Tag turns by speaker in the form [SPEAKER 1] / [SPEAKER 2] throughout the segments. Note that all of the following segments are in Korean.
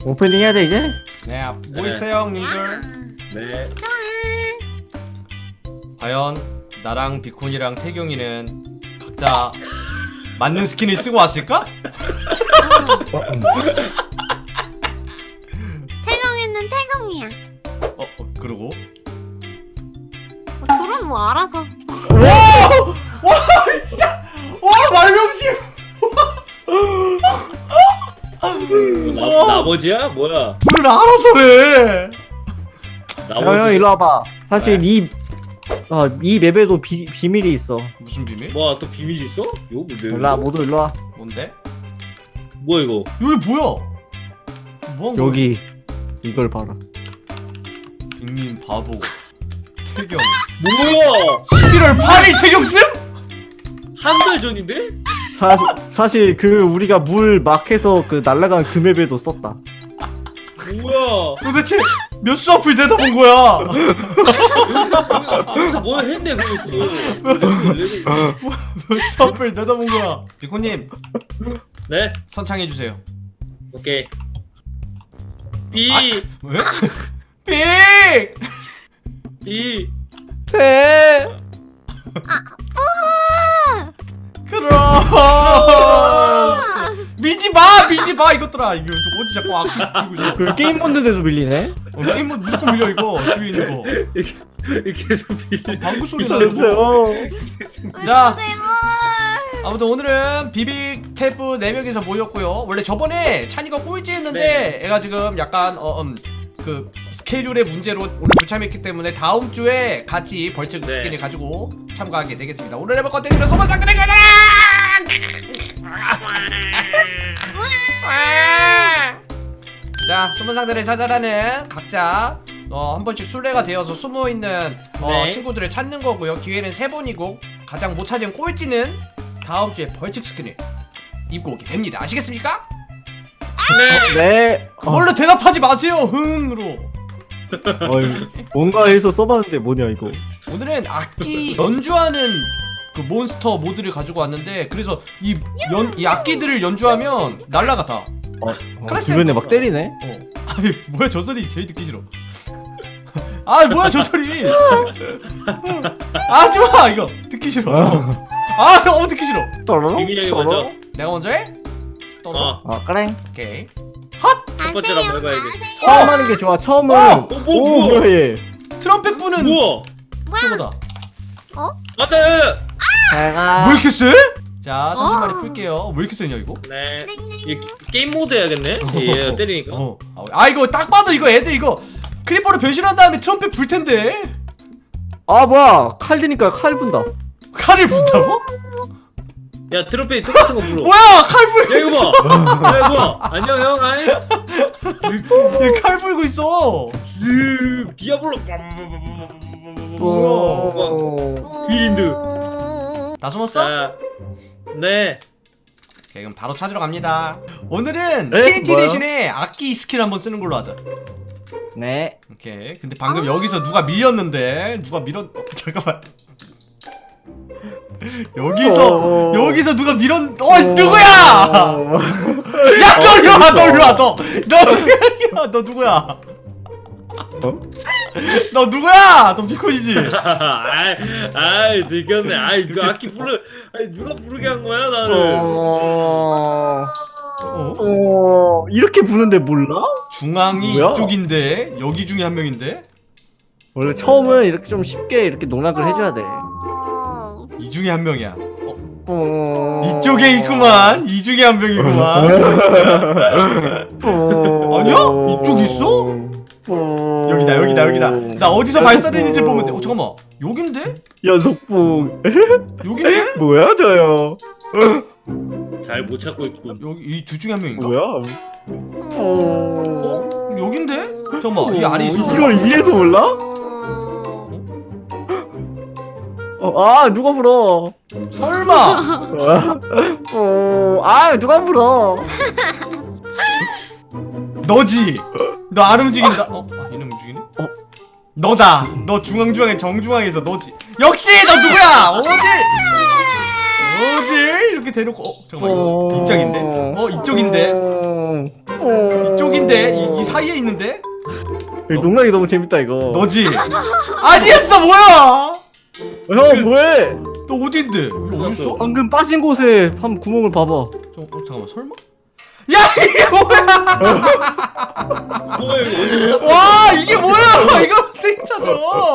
[SPEAKER 1] 오프닝 해야 돼 이제?
[SPEAKER 2] 네, 뭐 있어요, 형님들?
[SPEAKER 3] 네.
[SPEAKER 2] 과연 나랑 비콘이랑 태경이는 각자 맞는 스킨을 쓰고 왔을까?
[SPEAKER 4] 태경이는 태경이야.
[SPEAKER 2] 그러고
[SPEAKER 4] 둘은 뭐 알아서.
[SPEAKER 2] 와 진짜 와 말명심
[SPEAKER 3] 나머지야? 뭐야?
[SPEAKER 2] 둘은 알아서래.
[SPEAKER 1] 형 일로 와봐. 사실 이 맵에도 비밀이 있어.
[SPEAKER 2] 무슨 비밀?
[SPEAKER 3] 뭐야 또 비밀 있어? 요
[SPEAKER 1] 몰라 모두 일로 와.
[SPEAKER 2] 뭔데?
[SPEAKER 3] 뭐 이거?
[SPEAKER 2] 여기 뭐야? 뭐한 거야?
[SPEAKER 1] 여기 이걸 봐라.
[SPEAKER 2] 빅님 바보 태경
[SPEAKER 3] 뭐야?
[SPEAKER 2] 11월 8일 태경승?
[SPEAKER 3] 한 달 전인데?
[SPEAKER 1] 사실 그 우리가 물 막해서 그 날라간 그 맵에도 썼다.
[SPEAKER 3] 뭐야?
[SPEAKER 2] 도대체 몇 수 앞을 내다본 거야?
[SPEAKER 3] 여기서 뭐 했네 그것도.
[SPEAKER 2] 몇 수 앞을 내다본 거야? 비콘님
[SPEAKER 3] 네?
[SPEAKER 2] 선창해주세요.
[SPEAKER 3] 오케이. B
[SPEAKER 2] 왜? 빅!
[SPEAKER 3] B
[SPEAKER 1] 돼.
[SPEAKER 2] 그럼 미지마 이것들아. 이거 어디 자꾸 들고 있어.
[SPEAKER 1] 그 게임 모드에도 밀리네.
[SPEAKER 2] 게임 뭐 무조건 밀려 이거 뒤에 있는 거.
[SPEAKER 3] 계속 B.
[SPEAKER 2] 방구 소리 나고. 자 아무튼 오늘은 비빅 탭브 4명이서 모였고요. 원래 저번에 찬이가 꼴찌했는데
[SPEAKER 3] 네.
[SPEAKER 2] 애가 지금 약간 그 스케줄의 문제로 오늘 불참했기 때문에 다음 주에 같이 벌칙
[SPEAKER 3] 네.
[SPEAKER 2] 스킨을 가지고 참가하게 되겠습니다. 오늘 해볼 컨텐츠는 소방상들의 가자! 자, 소문상들을 찾아라는 각자 한 번씩 순례가 되어서 숨어있는
[SPEAKER 3] 네.
[SPEAKER 2] 친구들을 찾는 거고요. 기회는 3번이고 가장 못 찾은 꼴찌는 다음 주에 벌칙 스킨을 입고 오게 됩니다. 아시겠습니까?
[SPEAKER 1] 네.
[SPEAKER 2] 그걸로 대답하지 마세요. 흥으로.
[SPEAKER 1] 뭔가 해서 써봤는데 뭐냐 이거.
[SPEAKER 2] 오늘은 악기 연주하는 그 몬스터 모드를 가지고 왔는데 그래서 이 악기들을 연주하면 날라가 다.
[SPEAKER 1] 주변에 막 때리네.
[SPEAKER 2] 아니 뭐야 저 소리 제일 듣기 싫어. 아 뭐야 저 소리. 하지마 이거 듣기 싫어. 너무 듣기 싫어.
[SPEAKER 1] 떨어?
[SPEAKER 3] 비밀이 먼저.
[SPEAKER 2] 내가 먼저 해? 떨어.
[SPEAKER 1] 그래.
[SPEAKER 2] 오케이.
[SPEAKER 3] 첫 번째로 한번 해봐야지.
[SPEAKER 1] 처음 하는 게 좋아. 처음은.
[SPEAKER 3] 뭐야?
[SPEAKER 1] 뭐야 얘.
[SPEAKER 2] 트럼펫 부는
[SPEAKER 3] 뭐야?
[SPEAKER 2] 최고다.
[SPEAKER 3] 맞다.
[SPEAKER 1] 잘가.
[SPEAKER 2] 왜 이렇게 세? 자 30마리 풀게요. 왜 이렇게 세냐 이거?
[SPEAKER 3] 네. 이 게임 모드 해야겠네. 얘 때리니까.
[SPEAKER 2] 이거 딱 봐도 이거 애들 이거 크리퍼로 변신한 다음에 트럼펫 불 텐데.
[SPEAKER 1] 뭐야 칼 드니까 칼 분다.
[SPEAKER 2] 칼을 분다고?
[SPEAKER 3] 야 트럼펫 똑같은 거 불어.
[SPEAKER 2] 뭐야 칼 불고
[SPEAKER 3] 야 이거
[SPEAKER 2] 있어.
[SPEAKER 3] 봐. 야 이거 봐. 안녕 형. 아이.
[SPEAKER 2] 얘칼 불고 있어.
[SPEAKER 3] 디아블로.
[SPEAKER 1] 윈드.
[SPEAKER 2] 다 숨었어?
[SPEAKER 3] 자. 네.
[SPEAKER 2] 오케이 그럼 바로 찾으러 갑니다. 오늘은
[SPEAKER 1] 에?
[SPEAKER 2] TNT
[SPEAKER 1] 뭐야?
[SPEAKER 2] 대신에 악기 스킬 한번 쓰는 걸로 하자.
[SPEAKER 1] 네.
[SPEAKER 2] 오케이 근데 방금 여기서 누가 밀렸는데 잠깐만. 여기서 누가 누구야? 야 너 일로 와 너 누구야? 너 누구야? 너 비콘이지?
[SPEAKER 3] 아이 들켰네. 아이 그 악기 부르. 아이 누가 부르게 한 거야 나를.
[SPEAKER 1] 이렇게 부는데 몰라?
[SPEAKER 2] 중앙이
[SPEAKER 1] 뭐야?
[SPEAKER 2] 이쪽인데 여기 중에 한 명인데
[SPEAKER 1] 원래 처음은 이렇게 좀 쉽게 이렇게 농락을 해줘야 돼.
[SPEAKER 2] 이 중에 한 명이야. 이쪽에 있구만. 이 중에 한 명이구만. 아니야? 이쪽 있어? 여기다. 나 어디서 발사되는지 보면 돼. 잠깐만. 여긴데?
[SPEAKER 1] 연속풍.
[SPEAKER 2] 여긴데?
[SPEAKER 1] 뭐야 저요?
[SPEAKER 3] 잘 못 찾고 있군.
[SPEAKER 2] 여기 이 둘 중에 한 명인가?
[SPEAKER 1] 뭐야?
[SPEAKER 2] 여긴데? 잠깐만. 이 아래 있어.
[SPEAKER 1] 이걸 이래도 몰라? 누가 불어?
[SPEAKER 2] 설마.
[SPEAKER 1] 누가 불어?
[SPEAKER 2] 너지. 너 안 움직인다. 얘는 움직이네. 너다. 너 중앙에 정중앙에서 너지. 역시 너 누구야? 어딜 이렇게 대놓고 잠깐만 이거 이쪽인데? 이쪽인데? 이쪽인데 이 사이에 있는데?
[SPEAKER 1] 농락이 너무 재밌다 이거.
[SPEAKER 2] 너지? 아니었어 뭐야?
[SPEAKER 1] 형 뭐해?
[SPEAKER 2] 너 어딘데? 여기 어딨어?
[SPEAKER 1] 방금 빠진 곳에 한 구멍을 봐봐.
[SPEAKER 2] 잠깐만 설마? 야 이게 뭐야?
[SPEAKER 3] 뭐야 이거 어디 갔어?
[SPEAKER 2] 와 이게 뭐야? 이걸 어떻게 찾아?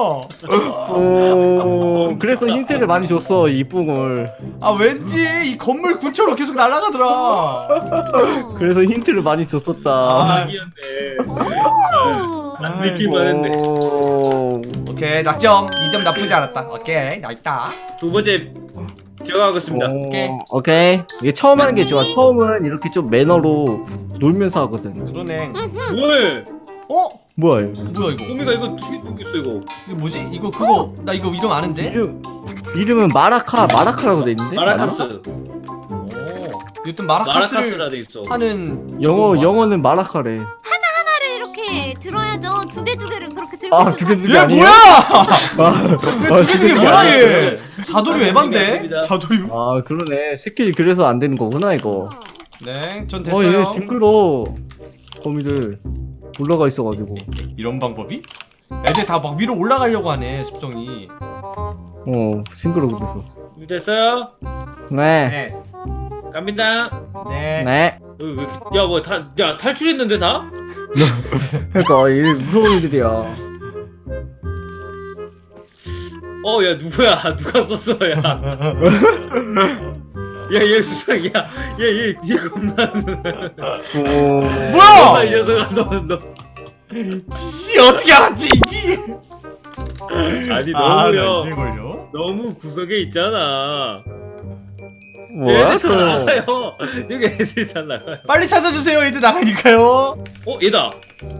[SPEAKER 1] 그래서 힌트를 많이 줬어 이 뿡을.
[SPEAKER 2] 아 왠지 이 건물 근처로 계속 날아가더라.
[SPEAKER 1] 그래서 힌트를 많이 줬었다.
[SPEAKER 2] 아.
[SPEAKER 3] 아기였네. 안 느끼만 했네.
[SPEAKER 2] 오케이 낙점 2점 나쁘지 않았다. 오케이 나 있다.
[SPEAKER 3] 두 번째 제가 하겠습니다.
[SPEAKER 1] 오케이. 이게 처음 하는 게 좋아. 처음은 이렇게 좀 매너로 놀면서 하거든.
[SPEAKER 2] 그러네.
[SPEAKER 3] 뭐해?
[SPEAKER 2] 어?
[SPEAKER 1] 뭐야 이거?
[SPEAKER 2] 뭐야 이거?
[SPEAKER 3] 꼬미가 이거 두개 있어 이거.
[SPEAKER 2] 이거 뭐지? 이거 그거 나 이거 이름 아는데?
[SPEAKER 1] 이름은 마라카라고 돼 있는데?
[SPEAKER 3] 마라카스.
[SPEAKER 2] 오. 여튼 마라카스를
[SPEAKER 3] 마라카스라 돼 있어.
[SPEAKER 2] 하는
[SPEAKER 1] 영어는 마라카래.
[SPEAKER 4] 하나를 이렇게 들어야죠. 두 개를 그렇게 들고
[SPEAKER 1] 아, 두 개
[SPEAKER 2] 얘
[SPEAKER 1] 아니에요?
[SPEAKER 2] 뭐야? 두개 뭐야
[SPEAKER 1] 아니야.
[SPEAKER 2] 얘? 사도류 에반데?
[SPEAKER 3] 아닙니다.
[SPEAKER 2] 사도류?
[SPEAKER 1] 아 그러네. 스킬이 그래서 안 되는 거구나 이거.
[SPEAKER 2] 네, 전
[SPEAKER 1] 얘
[SPEAKER 2] 됐어요.
[SPEAKER 1] 징그러. 거미들 올라가 있어가지고.
[SPEAKER 2] 이런 방법이? 애들 다 막 위로 올라가려고 하네 습성이.
[SPEAKER 1] 징그러 그래서.
[SPEAKER 3] 됐어요?
[SPEAKER 1] 네.
[SPEAKER 2] 네,
[SPEAKER 3] 갑니다.
[SPEAKER 2] 네.
[SPEAKER 1] 네.
[SPEAKER 3] 야 탈출했는데 다?
[SPEAKER 1] 그러니까 얘 무서운 애들이야.
[SPEAKER 3] 야 누구야? 누가 썼어 야? 야얘 수상이야. 얘 겁나.
[SPEAKER 2] 뭐야?
[SPEAKER 3] 이 녀석아 너.
[SPEAKER 2] 씨 어떻게 알았지 이지?
[SPEAKER 3] 아니
[SPEAKER 2] 나
[SPEAKER 3] 너무요.
[SPEAKER 2] 이게 걸려?
[SPEAKER 3] 너무 구석에 있잖아.
[SPEAKER 1] 뭐야
[SPEAKER 3] 애들 다
[SPEAKER 1] 저?
[SPEAKER 3] 나가요. 여기 애들이 다 나가요.
[SPEAKER 2] 빨리 찾아주세요. 애들 나가니까요.
[SPEAKER 3] 얘다.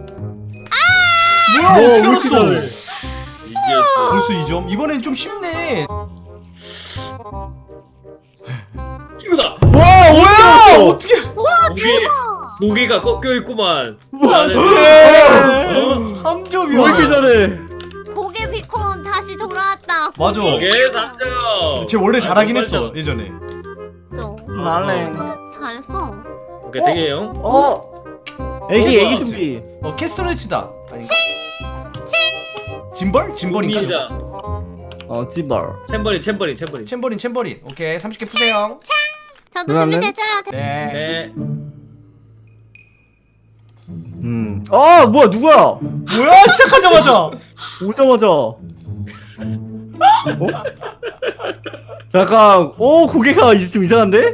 [SPEAKER 2] 뭐야
[SPEAKER 1] 뭐,
[SPEAKER 2] 어떻게
[SPEAKER 1] 왜 이렇게
[SPEAKER 2] 알았어?
[SPEAKER 1] 잘해?
[SPEAKER 3] 이지였어.
[SPEAKER 2] 벌써 2점. 이번엔 좀 쉽네.
[SPEAKER 3] 이거다.
[SPEAKER 1] 와
[SPEAKER 2] 뭐야? 어떻게?
[SPEAKER 3] 고개가 꺾여 있구만.
[SPEAKER 2] 안돼.
[SPEAKER 3] 어?
[SPEAKER 2] 3점이야.
[SPEAKER 1] 왜 이렇게 잘해?
[SPEAKER 4] 고개 비콘 다시 돌아왔다.
[SPEAKER 2] 맞아.
[SPEAKER 3] 고개 3점.
[SPEAKER 2] 쟤 원래 잘하긴 했어 예전에.
[SPEAKER 1] 말랭.
[SPEAKER 4] 잘했어.
[SPEAKER 3] 오케이 되게 형.
[SPEAKER 1] 애기 준비.
[SPEAKER 2] 캐스터네치다. 아닌가? 짐벌? 짐벌인가?
[SPEAKER 3] 고민이다.
[SPEAKER 1] 찌발.
[SPEAKER 3] 챔버린.
[SPEAKER 2] 챔버린. 오케이 30개 푸세요.
[SPEAKER 4] 저도
[SPEAKER 1] 누나는?
[SPEAKER 4] 준비됐어요.
[SPEAKER 2] 네.
[SPEAKER 3] 네.
[SPEAKER 1] 뭐야 누구야?
[SPEAKER 2] 뭐야 시작하자마자.
[SPEAKER 1] 오자마자. 잠깐. 고개가 좀 이상한데?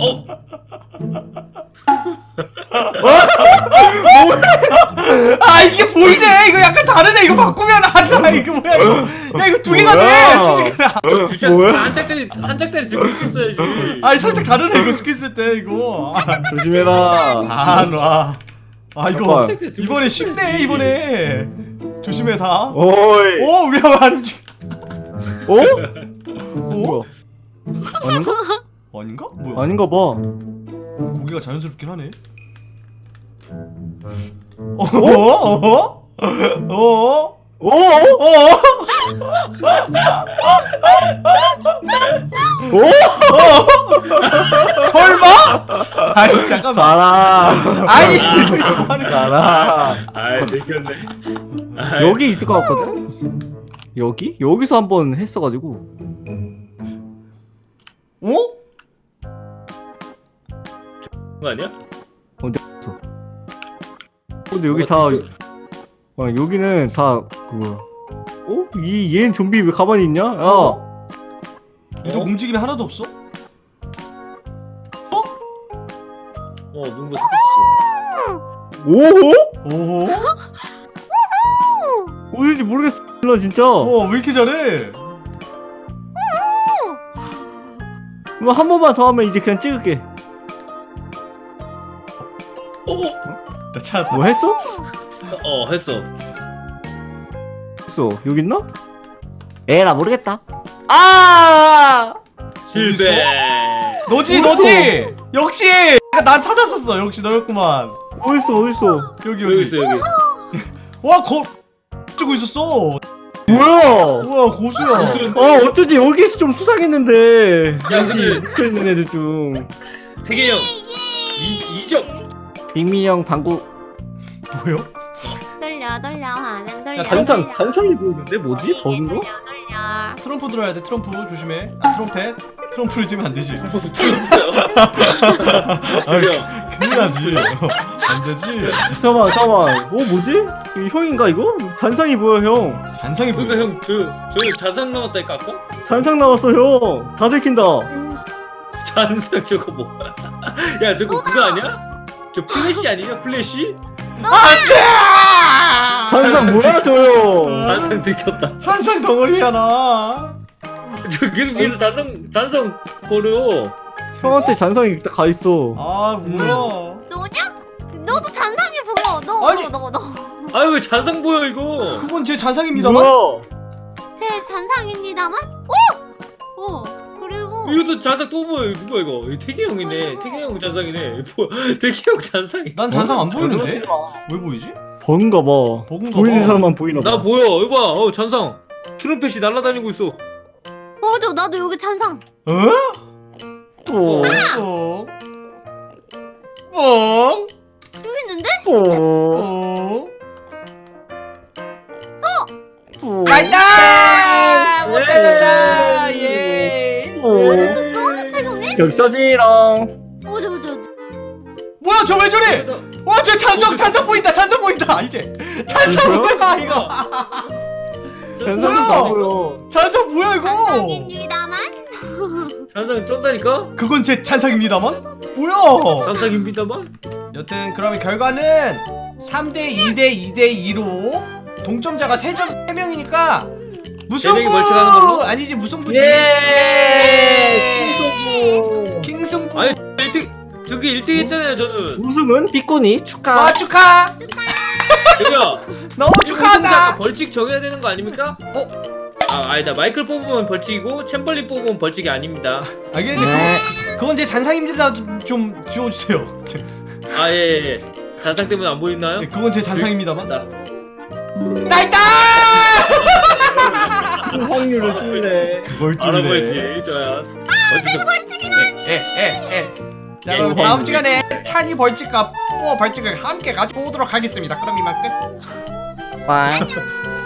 [SPEAKER 2] 아 이게 보이네. 이거 약간 다르네. 이거 바꾸면 안돼. 이거 뭐야 이거. 야 이거 두 개가 돼.
[SPEAKER 1] 뭐야?
[SPEAKER 2] 수직이야.
[SPEAKER 1] 뭐야?
[SPEAKER 3] 한 짝짜리 들고 있었어야지.
[SPEAKER 2] 아니 살짝 다르네 이거 스킬 쓸 때 이거.
[SPEAKER 1] 조심해라.
[SPEAKER 2] 놔. 아 이거
[SPEAKER 1] 잠깐.
[SPEAKER 2] 이번에 쉽네 이번에. 조심해 다.
[SPEAKER 1] 오이.
[SPEAKER 2] 오 위험한.
[SPEAKER 1] 뭐야? 아닌가?
[SPEAKER 2] 아닌가? 뭐야?
[SPEAKER 1] 아닌가 봐.
[SPEAKER 2] 고기가 자연스럽긴 하네. 어어? 설마? 아니 잠깐만.
[SPEAKER 1] 가라.
[SPEAKER 2] 아니 이거 뭐 하는 거야?
[SPEAKER 1] 가라.
[SPEAKER 3] 들켰네.
[SPEAKER 1] 여기 있을 것 같거든? 여기서 한번 했어가지고.
[SPEAKER 2] 어?
[SPEAKER 3] 거 아니야?
[SPEAKER 1] 근데 여기 다 여기는 다 그거야. 얘는 좀비 왜 가만히 있냐? 야.
[SPEAKER 2] 이거 움직임이 하나도 없어?
[SPEAKER 3] 눈부 스kis어.
[SPEAKER 1] 오호?
[SPEAKER 2] 오?
[SPEAKER 1] 어딘지 모르겠어. 나 진짜.
[SPEAKER 2] 왜 이렇게 잘해?
[SPEAKER 1] 그럼 한 번만 더 하면 이제 그냥 찍을게.
[SPEAKER 2] 나 찾았다.
[SPEAKER 1] 뭐 했어?
[SPEAKER 3] 했어.
[SPEAKER 1] 했어. 여기 있나? 에라 모르겠다. 아!
[SPEAKER 3] 실패.
[SPEAKER 2] 너지
[SPEAKER 1] 어딨어?
[SPEAKER 2] 너지. 역시 난 찾았었어. 역시 너였구만.
[SPEAKER 1] 어딨어?
[SPEAKER 3] 여기 있어 여기.
[SPEAKER 2] 와거 쓰고 있었어.
[SPEAKER 1] 뭐야?
[SPEAKER 2] 우와 고수야.
[SPEAKER 1] 어쩐지 여기서 좀 수상했는데.
[SPEAKER 3] 야, 근데-
[SPEAKER 1] 여기 있는 애들 중.
[SPEAKER 3] 태계 형. 2점.
[SPEAKER 1] 빅민이 형 방구.
[SPEAKER 2] 뭐요?
[SPEAKER 4] 돌려 화면 돌려.
[SPEAKER 1] 잔상이 보이는데 뭐지? 버는 거?
[SPEAKER 4] 돌려.
[SPEAKER 2] 트럼프 들어야 돼. 트럼프 조심해. 아 트럼펫. 트럼프를 들면 안 되지.
[SPEAKER 3] 저기요.
[SPEAKER 2] 큰일 나지. 안 되지.
[SPEAKER 1] 잠깐만. 뭐지? 이 형인가 이거? 잔상이 보여 형.
[SPEAKER 2] 잔상이
[SPEAKER 3] 그러니까
[SPEAKER 2] 보여.
[SPEAKER 3] 형 저 자상 남았다니까 아까?
[SPEAKER 1] 잔상 나왔어 형. 다 들킨다.
[SPEAKER 3] 잔상 저거 뭐야? 야 저거 그거 아니야? 저 플래시 아니냐? 플래시?
[SPEAKER 1] 잔상 뭐야 저요?
[SPEAKER 3] 잔상 들켰다.
[SPEAKER 2] 잔상 덩어리야 나.
[SPEAKER 3] 저 계속 잔상 거려.
[SPEAKER 1] 형한테 잔상이 딱 가 있어.
[SPEAKER 2] 아 뭐야?
[SPEAKER 4] 너냐? 너도 잔상이 보여.
[SPEAKER 2] 아니.
[SPEAKER 4] 너.
[SPEAKER 3] 아유 왜 잔상 보여 이거?
[SPEAKER 2] 그건 제 잔상입니다만.
[SPEAKER 1] 뭐야?
[SPEAKER 4] 제 잔상입니다만. 오. 그리고
[SPEAKER 3] 이것도 잔상 또 보여. 누가 이거? 이 태기 형이네. 태기 형 잔상이네. 뭐 태기 형 잔상이?
[SPEAKER 2] 난 잔상 안 보이는데?
[SPEAKER 1] 그러지 마.
[SPEAKER 2] 왜 보이지?
[SPEAKER 1] 버는가 봐.
[SPEAKER 2] 버그인가
[SPEAKER 1] 보이는
[SPEAKER 2] 봐.
[SPEAKER 1] 사람만 보이나 봐.
[SPEAKER 3] 나 보여. 이거 봐. 잔상. 트럼펫이 날아다니고 있어.
[SPEAKER 4] 맞아. 나도 여기 잔상.
[SPEAKER 2] 어?
[SPEAKER 1] 또.
[SPEAKER 2] 뽕. 뽕.
[SPEAKER 4] 여기 있는데?
[SPEAKER 1] 또.
[SPEAKER 2] 뽕.
[SPEAKER 1] 또.
[SPEAKER 2] 간다! 못
[SPEAKER 3] 예.
[SPEAKER 2] 찾았다! 예!
[SPEAKER 4] 어디 있었어? 태경이?
[SPEAKER 1] 여기 써지랑.
[SPEAKER 4] 어디.
[SPEAKER 2] 뭐야, 저 왜 저래? 와, 저 잔상 보인다! 잔상 보인다! 이제! 잔상
[SPEAKER 1] 뭐야?
[SPEAKER 2] 뭐야, 이거!
[SPEAKER 1] 잔상이
[SPEAKER 2] 뭐야?
[SPEAKER 1] 다 보여.
[SPEAKER 2] 잔상 뭐야, 이거!
[SPEAKER 4] 잔상입니다만.
[SPEAKER 3] 잔상 쩐다니까?
[SPEAKER 2] 그건 제 잔상입니다만? 뭐야!
[SPEAKER 3] 잔상입니다만?
[SPEAKER 2] 여튼, 그러면 결과는 3대 2대 2대 2로 동점자가 3명이니까 무승부!
[SPEAKER 3] 명이 벌칙하는 걸로?
[SPEAKER 2] 아니지, 무승부지!
[SPEAKER 1] 킹소부.
[SPEAKER 2] 킹승부!
[SPEAKER 3] 아니 1등 저기 1등 했잖아요 저는.
[SPEAKER 1] 우승은 삐꼬니 축하.
[SPEAKER 2] 와, 축하!
[SPEAKER 3] 저기요.
[SPEAKER 2] 너무 축하한다!
[SPEAKER 3] 벌칙 정해야 되는 거 아닙니까? 아 아니다. 마이클 뽑으면 벌칙이고 챔벌린 뽑으면 벌칙이 아닙니다.
[SPEAKER 2] 알겠는데
[SPEAKER 1] 네.
[SPEAKER 2] 그건 제 잔상입니다. 좀 지워주세요.
[SPEAKER 3] 아 예. 잔상 때문에 안 보이나요?
[SPEAKER 2] 네, 그건 제 잔상입니다만.
[SPEAKER 3] 나
[SPEAKER 2] 나 있다!
[SPEAKER 1] 확률을 뚫네.
[SPEAKER 2] 그걸
[SPEAKER 3] 알아보지 저야.
[SPEAKER 2] 자, 그럼 다음 시간에 찬이 벌칙과 뽀 벌칙을 함께 가지고 오도록 하겠습니다. 그럼 이만 끝.
[SPEAKER 1] 빠이.